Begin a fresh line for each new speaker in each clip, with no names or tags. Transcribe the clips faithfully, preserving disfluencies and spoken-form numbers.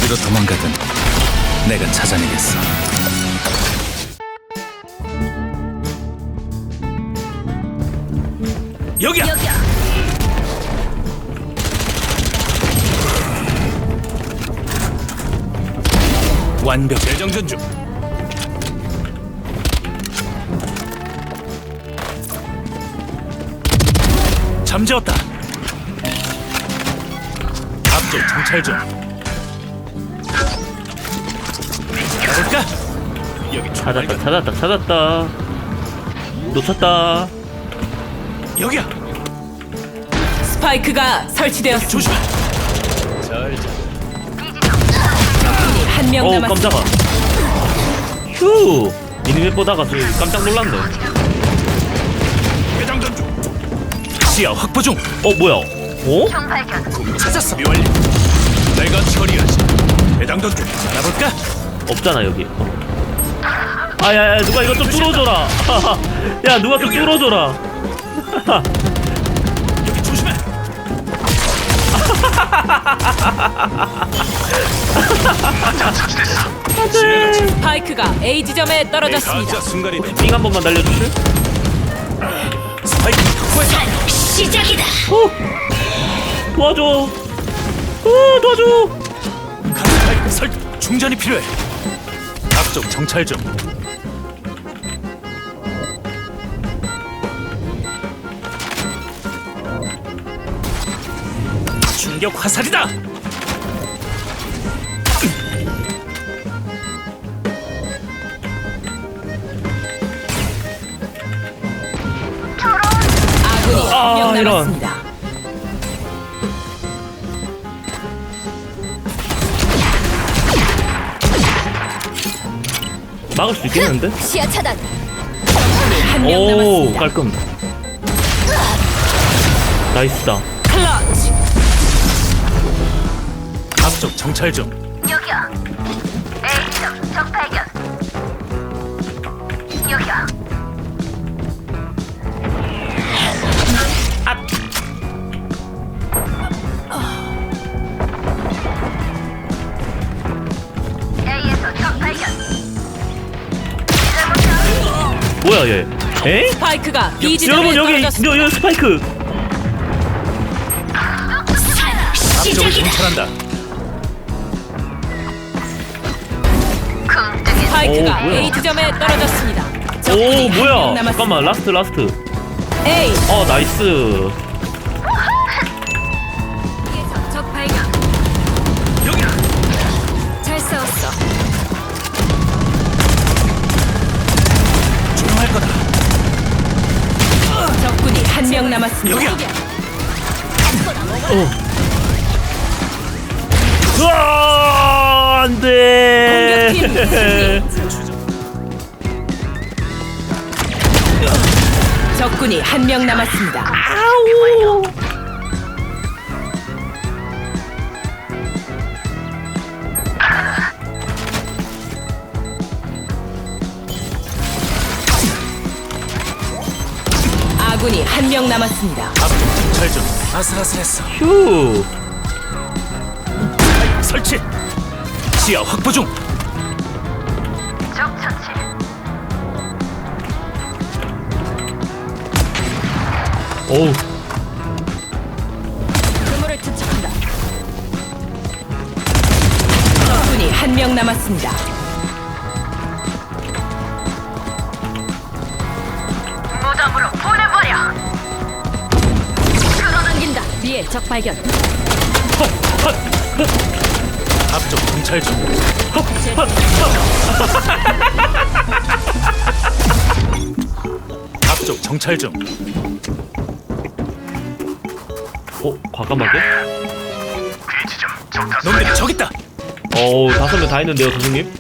어디로 도망가든 내가 찾아내겠어. 여기야!
여기야.
완벽 재정전 중. 잠재웠다. 앞쪽 정찰 중. 가볼까? 여기
찾았다 찾았다 찾았다. 놓쳤다.
여기야.
스파이크가 설치되었습니다.
조심해. 잘 자.
한 명
어우
남았습니다.
깜짝아. 휴 미니맵 보다가 저 깜짝 놀랐네.
재정전 중. 시야 확보 중.
어 뭐야? 어?
찾았어. 완료. 내가 처리하지. 대장전 중. 알아볼까?
없잖아 여기. 어. 아야야 누가 이거 좀 뚫어줘라. 야 누가 좀 뚫어줘라.
여기 조심해.
안돼.
스파이크가 A 지점에 떨어졌습니다.
가짜 순간이다.
삥 한 번만 날려주실?
스파이크 확보했다.
시작이다.
어? 도와줘. 어 도와줘.
각 스파이크 설 충전이 필요해. 앞쪽 정찰 중. 충격 화살이다.
아군이
아,
한 명
이런.
남았습니다.
막을 수 있겠는데?
시야 차단. 한 명
오
남았습니다.
깔끔. 나이스다.
클러치.
앞쪽 정찰 중.
여기야. A지점 적 발견. 여기야. A에서 적 발견.
뭐야 얘? 에?
스파이크가 B 지점에
여러분 여기
떨어졌습니다.
여, 여 스파이크.
앞쪽을 정찰한다.
궁뜨기
스파이크가
오, 뭐야.
A 지점에 떨어졌습니다.
오
적군이 한명
뭐야?
남았습니다.
잠깐만 라스트 라스트.
A
어 나이스.
적 발견.
여기야.
잘 싸웠어.
조용할 거다.
적군이 한 명 남았습니다.
여기야.
으아 안돼.
공격팀 승리. 적군이 한 명 남았습니다.
아우.
아군이 한 명 남았습니다.
앞쪽 정찰 중. 아슬아슬했어.
휴.
스파이크 설치. 시야 확보 중.
적 처치.
오.
그물을 투척한다. 적군이 한 명 남았습니다.
무덤으로 보내버려.
끌어당긴다. B의 적 발견.
앞쪽 정찰 중. 앞쪽 정찰 중.
어 과감하게?
놈들이 저기 있다.
어우 다섯 명 다 있는데요 선생님?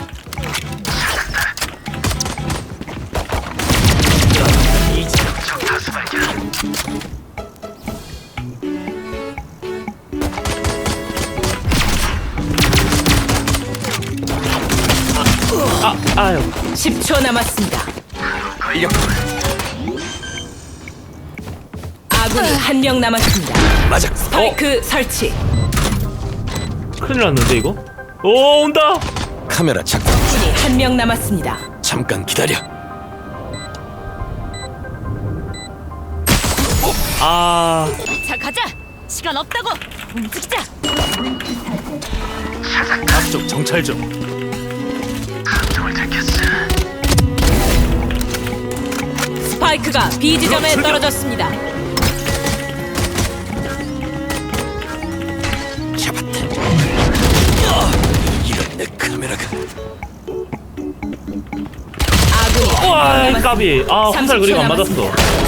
아 아유.
십 초 남았습니다. 아군이 한 명 남았습니다.
맞아.
스파이크 설치.
큰일 났는데 이거? 오 온다.
카메라 작동.
적군이 한 명 남았습니다.
잠깐 기다려.
아
자 가자. 시간 없다고. 움직이자.
앞쪽 정찰 좀.
스파이크가 B 지점에
출격!
떨어졌습니다.
잡았다. 아, 이런 내 카메라가.
아군이 한
와
명 남았습니다.
까비. 아 화살 그리고 안 맞았어.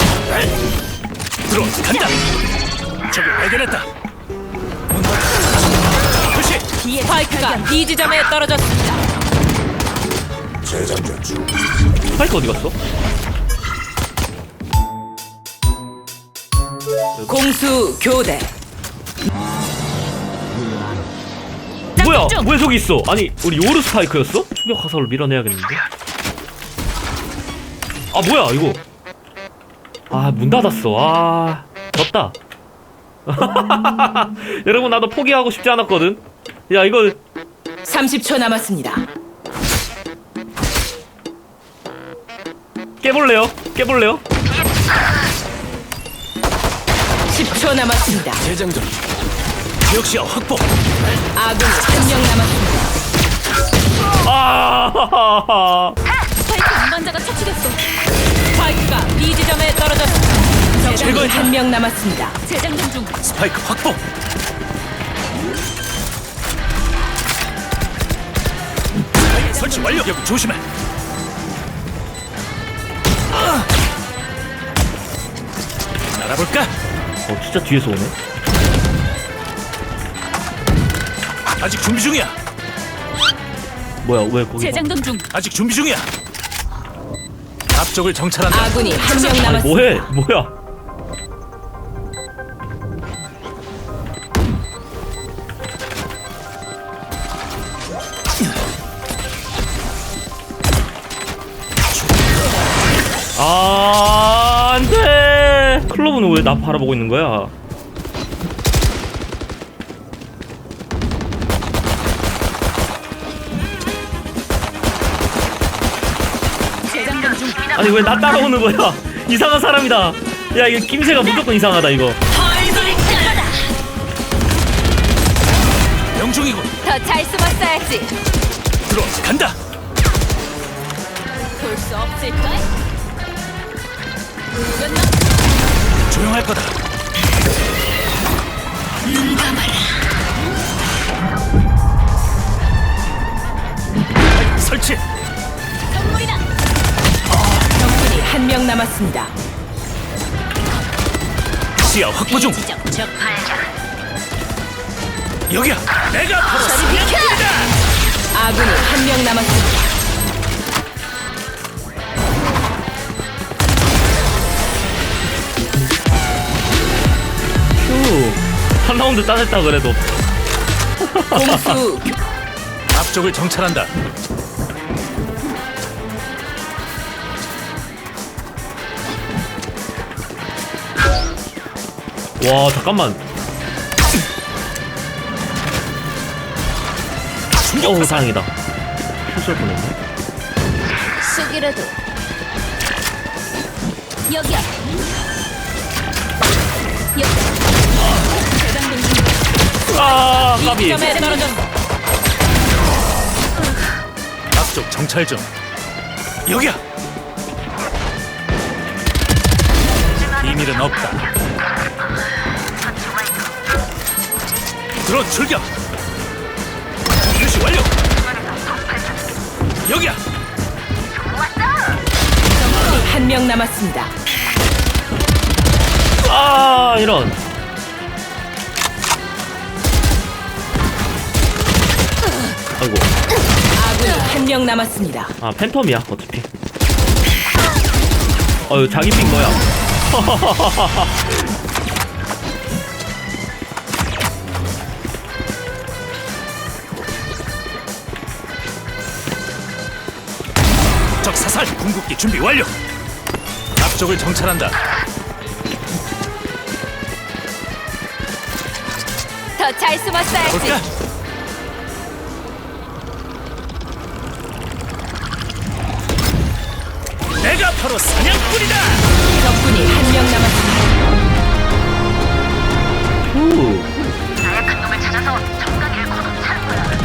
들어 간다. 적을 발견했다. 표시.
스파이크가 B 지점에 떨어졌습니다.
스파이크 어디 갔어?
공수 교대.
뭐야?
중.
왜 저기 있어? 아니 우리 요르 스파이크였어? 추격 화살로 밀어내야겠는데. 아 뭐야 이거? 아 문 닫았어. 아 졌다. 여러분 나도 포기하고 싶지 않았거든. 야 이거
삼십 초 남았습니다.
깨볼래요? 깨볼래요?
십 초 남았습니다.
재장전. 지역 시야 확보.
아군이 한 명 남았습니다.
아
스파이크 운반자가 처치됐어. 스파이크가 B 지점에 떨어졌습니다. 적군이
제거했다.
한 명 남았습니다. 재장전 중.
스파이크 확보. 스파이크 설치 완료. 여기 조심해. 아. 날아볼까?
어 진짜 뒤에서 오네.
아직 준비 중이야.
뭐야 왜 거기?
재장전 중.
아직 준비 중이야. 앞쪽을 정찰한다.
아군이 한 명
아니
남았습니다.
뭐해? 뭐야? 아 안돼. 클로브는 왜 나 바라보고 있는 거야?
재장전 중.
아니 왜 나 따라오는 거야? 이상한 사람이다. 야 이거 김새가 무조건 이상하다 이거.
명중이고.
더 잘 숨었어야지.
들어 간다.
볼 수 없을까?
조용할 거다. 스파이크 설치.
선물이다. 적군이 한 명 남았습니다.
시야 확보 중.
적 발견.
여기야. 내가 바로 사냥꾼이다.
아군이 한 명 남았습니다.
휴. 한 라운드 따냈다 그래도.
공수
앞쪽을 정찰한다.
와 잠깐만. 어우 다행이다. 실수할 뻔했네.
쑥이라도 여기야.
아 까비.
점에 떨어졌어.
앞쪽 정찰 좀. 여기야. 비밀은 없다. 들어 출격. 표시 완료. 여기야.
적군이 한 명 남았습니다.
아 이런. 아이고.
아군이 한 명 남았습니다.
아 팬텀이야 어차피. 어유 자기 핑 뭐야?
적 사살. 궁극기 준비 완료. 앞쪽을 정찰한다.
더 잘 숨었어야지.
볼까? 바로 사냥꾼이다.
적군이 한 명 남았습니다.
후.
나약한 놈을 찾아서 정강이를 거둬 차는 거야.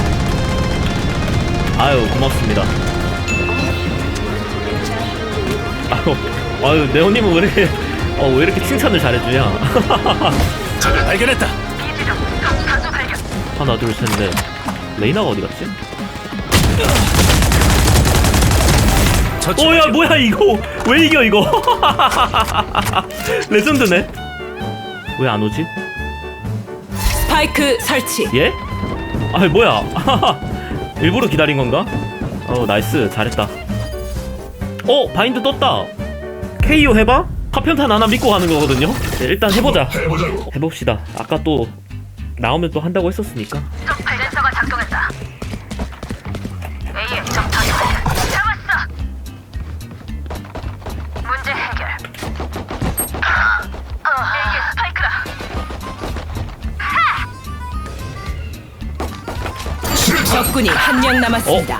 아유 고맙습니다. 아유, 아유 네오님은 왜 이렇게 어, 왜 이렇게 칭찬을 잘해주냐?
적을 발견했다.
비지점 적 가수 발견.
하나 둘 셋 넷. 레이나가 어디 갔지?
저쪽.
오야 뭐야 이거 왜 이겨 이거? 레전드네. 왜 안 오지?
스파이크 설치.
예? 아 뭐야? 일부러 기다린 건가? 어 나이스 잘했다. 어 바인드 떴다. 케이오 해봐? 파편탄 하나 믿고 가는 거거든요. 네, 일단 해보자.
해보자고.
해봅시다. 아까 또 나오면 또 한다고 했었으니까.
적 발견서가 작동했다. A의 적 가수 발견. 잡았어. 문제 해결. 어, A의 스파이크다.
수류탄.
적군이 한 명 남았습니다.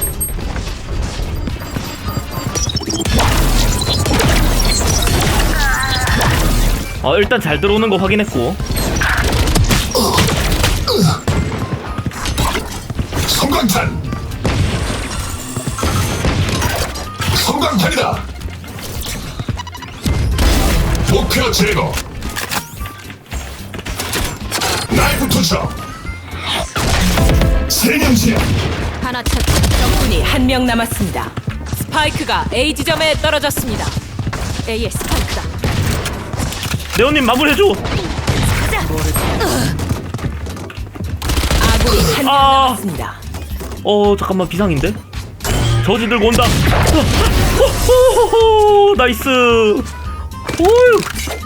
어 일단 잘 들어오는 거 확인했고.
성광탄. 성광탄이다. 목표 제거. 나이프 투척. 세명지야.
하나 찾. 적군이 한 명 남았습니다. 스파이크가 A 지점에 떨어졌습니다. A의 스파이크다.
네오님 마무리해줘.
아군이 한 명
아.
남았습니다.
어 잠깐만 비상인데? 저지 들고 온다. 호호호호 나이스. 오유.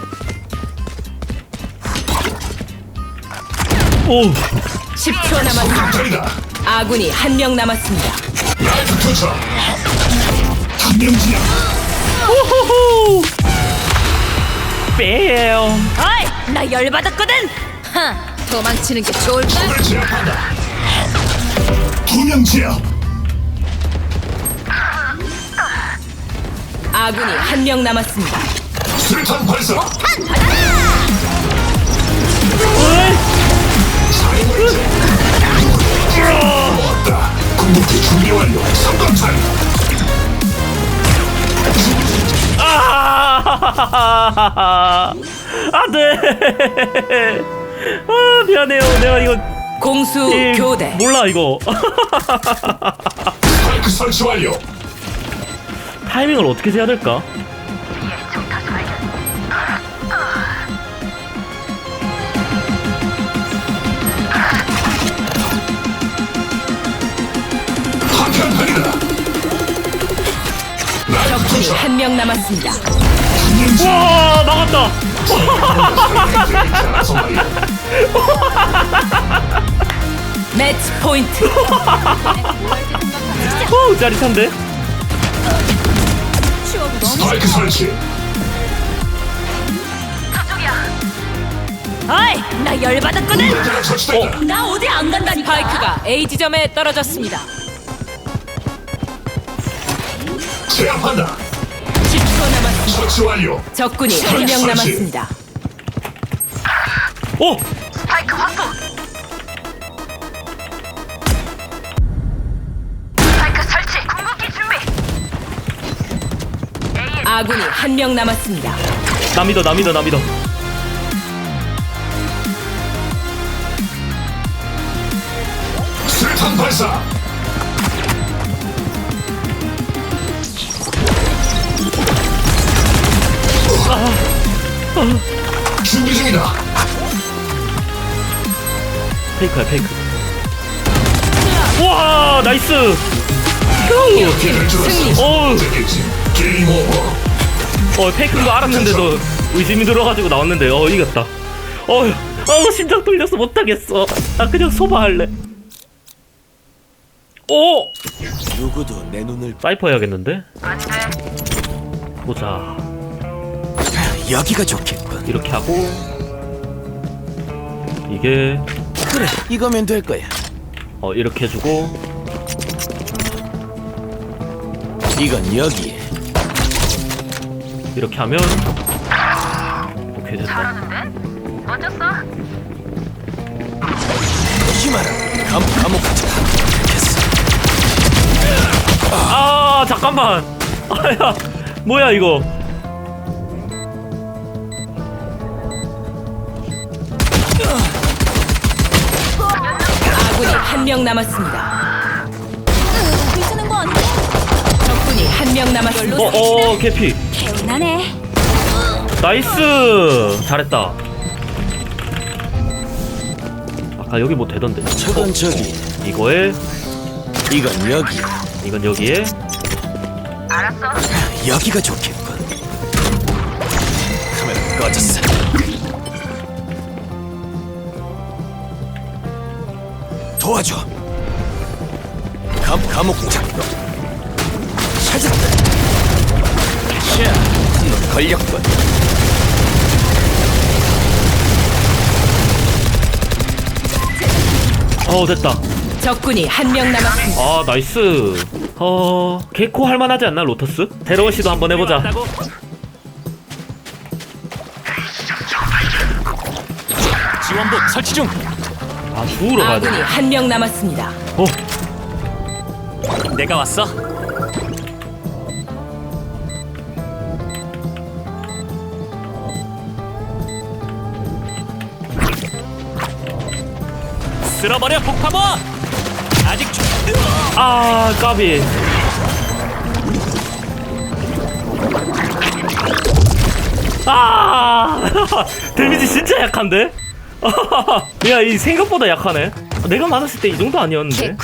오.
십 초 남았습니다.
성광탄이다.
아군이 한 명 남았습니다.
나이프 투척. 한명지야.
호호호. 빼요.
어이, 나 열받았거든. 하, 도망치는 게 좋을까?
적을 제압한다. 두명지야.
아군이 한 명 남았습니다.
수류탄 발사.
어이.
모았다. 궁극기 준비 완료. 성광탄.
아. 안돼. 아 미안해요. 내가 이거
공수
게임
교대.
몰라 이거.
스파이크 설치 완료.
타이밍을 어떻게 해야 될까?
A의 적 가수 발견.
한편탄이다. 나이프
적군이
투척.
한 명 남았습니다.
한명지야.
와 나갔다.
알아서 말이야.
매치 포인트.
오 짜릿한데?
스파이크 설치.
저쪽이야.
어이, 나 열받았거든.
문제가 처치됐다.
나 어디 안 간다니까. 스파이크가 A 지점에 떨어졌습니다.
제압한다.
십 초 남았습니다.
처치 완료.
적군이 한 명 남았습니다.
오!
스파이크 확보. 스파이크 설치. 궁극기 준비. A의
아군이 한 명 남았습니다.
나 믿어 나 믿어 나 믿어.
수류탄 발사. 준비 중이다.
페이크야 페이크. 와 나이스. 휴.
기회를 줄었어.
어우.
되겠지. 게임 오버.
어 페이크인 거 알았는데도 의심이 들어가지고 나왔는데 어 이겼다. 어휴 어 심장 떨려서 못하겠어. 나 그냥 소바할래. 오!
누구도 내 눈을
사이퍼 해야겠는데?
안 돼.
보자.
여기가 좋겠군.
이렇게 하고 이게
그래, 이거면 될 거야.
어 이렇게 해주고
이건 여기에.
이렇게 하면 오케이 됐다.
잘하는데? 먼저 써.
오지 마라. 감 감옥 가자. 됐어.
아 잠깐만. 아야 뭐야 이거.
아군이 한 명 남았습니다.
괜찮은 거 아니야?
적군이 한 명 남았습니다.
어어 개피.
개운하네.
나이스 잘했다. 아까 여기 뭐 되던데.
저건 저기.
이거에
이건 여기.
이건 여기에.
알았어.
여기가 좋겠군. 카메라 꺼졌어. 도와줘. 감 감옥 작동. 찾았다. 샤, 한놈 걸렸군.
어 됐다.
적군이 한 명 남았습니다.
아 나이스. 어 개코 할만하지 않나 로터스? 새로운 시도 한번 해보자.
지원복 설치 중.
아 주우러 가야 돼.
아군이 한 명 남았습니다.
어
내가 왔어. 쓸어버려 폭파범. 아직 주...
아 까비. 아 데미지 진짜 약한데? 야 이 생각보다 약하네. 내가 맞았을 때 이 정도 아니었는데.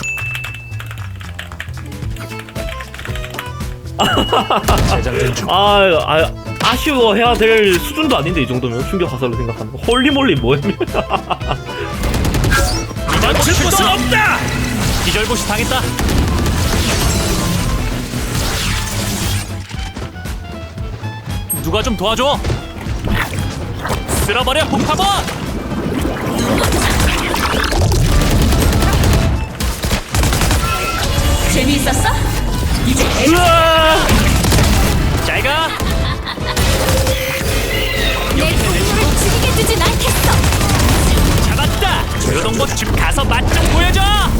재장전 중.
아, 아 아쉬워해야 될 수준도 아닌데 이 정도면 충격 화살로 생각하는 거. 홀리몰리 뭐야?
멈출 곳은 없다. 기절고시 당했다. 누가 좀 도와줘. 쓸어버려 폭파범.
재미있었어? 이제
으아!
잘가.
내 동료를 죽이게 두진 않겠어.
잡았다. 조여동복 집 가서 맛 좀 보여줘.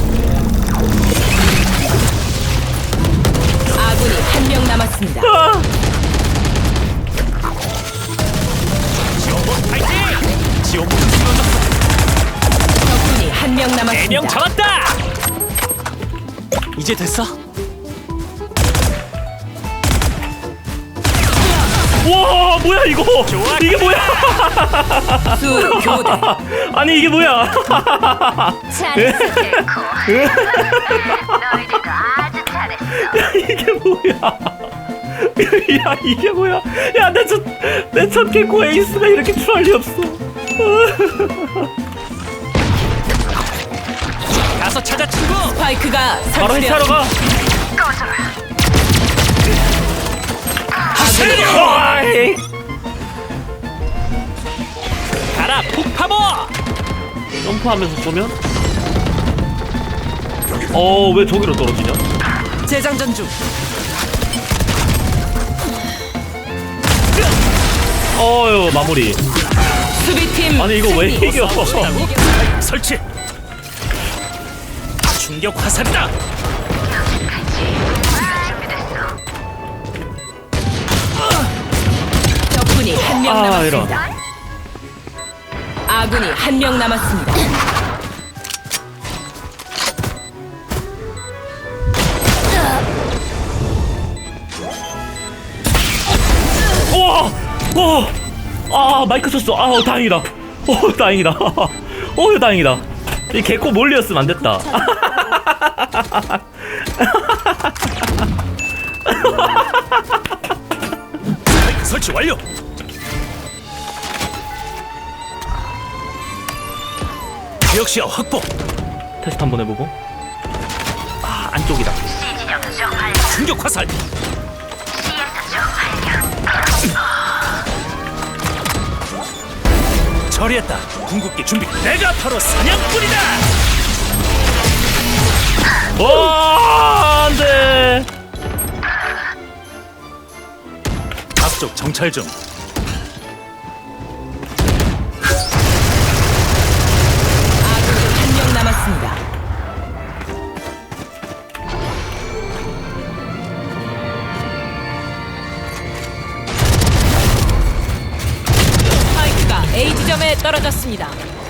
아군이 한 명 남았습니다.
아!
지원복 파이팅. 지원복 쓰러졌어.
적군이 한 명
네 명
남았습니다.
잡았다. 이제 됐어.
와 뭐야 이거?
좋아.
이게 뭐야?
수 교대.
아니 이게 뭐야?
잘했어.
개코. 너희들도 아주 잘했어.
이게 뭐야? 야 이게 뭐야? 야내첫내첫 개코 에이스가 이렇게 추할 리 없어.
가서 찾아 친구.
스파이크가
바로 해체하러 가. 아이.
가라 폭파범.
점프하면서 쏘면? 어 왜 저기로 떨어지냐?
재장전 중.
어유 마무리.
수비팀
아니 이거 왜
승리.
이겨?
설치. 충격 화살이다.
적군이 한 명
아,
남았습니다. 아군이 한 명 남았습니다.
우와! 어! 아 마이크 쳤어. 아 어, 다행이다. 어 다행이다. 어 다행이다. 이 개코 몰리였으면 안 됐다.
설치 완료. 지역시야 확보.
테스트 한번 해보고. 아 안쪽이다.
시진영 적발견.
충격 화살.
시에서 적발견.
처리했다. 궁극기 준비. 내가 바로 사냥꾼이다.
와 안돼.
앞쪽 정찰 중.
아군이 한 명 남았습니다. 스파이크가 A 지점에 떨어졌습니다.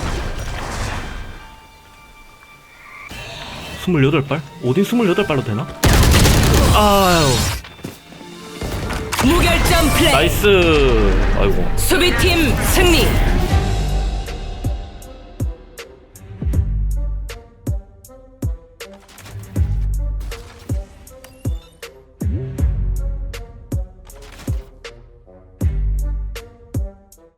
스물여덟 발? 오딘 스물여덟 발로 되나? 아유
무결점 플레이.
나이스. 아이고
수비팀 승리.